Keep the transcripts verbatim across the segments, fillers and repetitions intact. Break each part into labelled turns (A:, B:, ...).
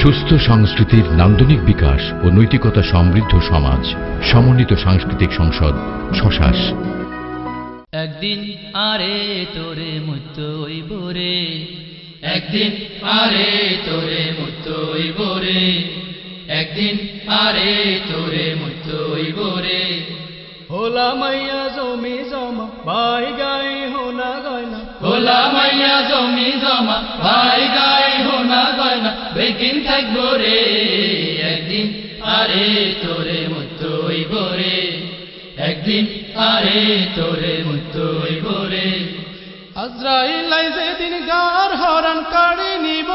A: সুস্থ সংস্কৃতির নান্দনিক বিকাশ ও নৈতিকতা সমৃদ্ধ সমাজ। সমন্বিত সাংস্কৃতিক সংসদ শশাস।
B: একদিন আরে তোরে মুতই বোরে, একদিন আরে তোরে মুতই বোরে, একদিন আরে তোরে মুতই বোরে।
C: হোলা মাইয়া জমি জমা ভাই গাই হোনা গয়না,
B: হোলা মাইয়া জমি জমা ভাই গাই হোনা গয়না, বেকিন থাকবো রে একদিন আরে তোরে মুতই বোরে, একদিন আরে তোরে মুতই বোরে।
C: আজরাইল আইছে দিন গার হরণ কাড়ি নিব,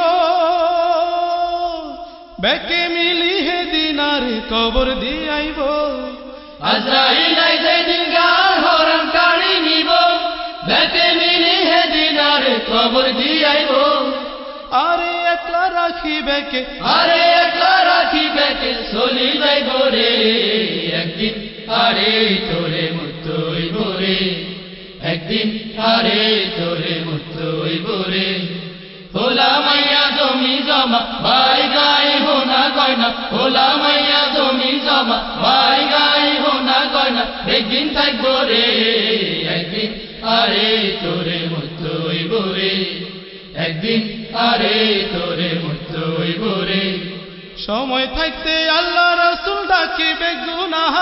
C: বেকে মিলি হে দিনারে কবর দিয়াইব।
B: আজরাইল আইছে দিন গার হরণ কাড়ি নিব, বেকে মিলি হে দিনারে কবর দিয়াইব।
C: আরে একলা রাখি বেকে,
B: আরে একলা রাখি বেকে চলি যাইব রে একদিন আরে তোরে মুতই বোরে, একদিন আরে তোরে মুতই বোরে। হোলা মাইয়া জমি জমা ভাই গাই হোনা গয়না, হোলা মাইয়া জমি জমা ভাই গাই হোনা গয়না, একদিন থাকবো রে একদিন আরে তোরে মুতই বোরে, একদিন আরে তোরে মুতই বোরে।
C: সময় থাকতে আল্লাহ রাসূল ডাকিবে গুনাহ,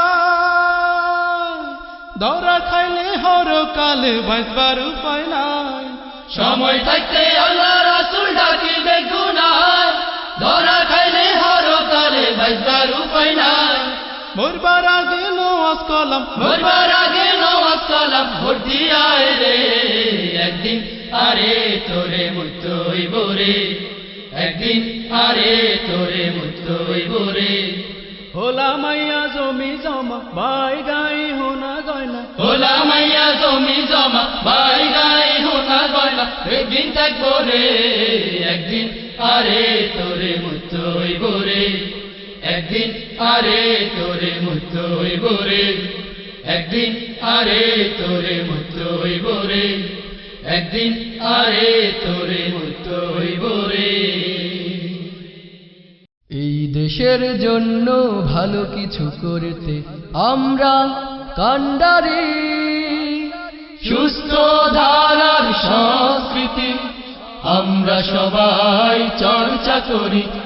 C: দরা খাইলে হর কালে বাঁচবার উপায় নাই।
B: সময় থাকতে আল্লাহ রাসূল ডাকিবে গুনাহ, ধরা খাইলে হরকালে বাঁচবার উপায় নাই।
C: মরবার আগে নওয়াজ কলাম,
B: মরবার আগে নওয়াজ কালাম ভর্তি আয় রে একদিন আরে তোরে মুতই বোরে, একদিন আরে তোরে মুতই বোরে।
C: হোলা মাইয়া জমি জমা ভাই গাই হোনা গয়না,
B: হোলা মাইয়া জমি জমা ভাই গাই হোনা গয়না, একদিন থাকবো রে একদিন আরে তোরে মুতই বোরে, একদিন আরে তোরে মুতই বোরে, একদিন আরে তোরে মুতই বোরে, একদিন আরে তোরে মুতই বোরে।
D: এই দেশের জন্য ভালো কিছু করতে আমরা কান্ডারি,
B: সুস্থ ধারার সংস্কৃতি আমরা সবাই চর্চা করি।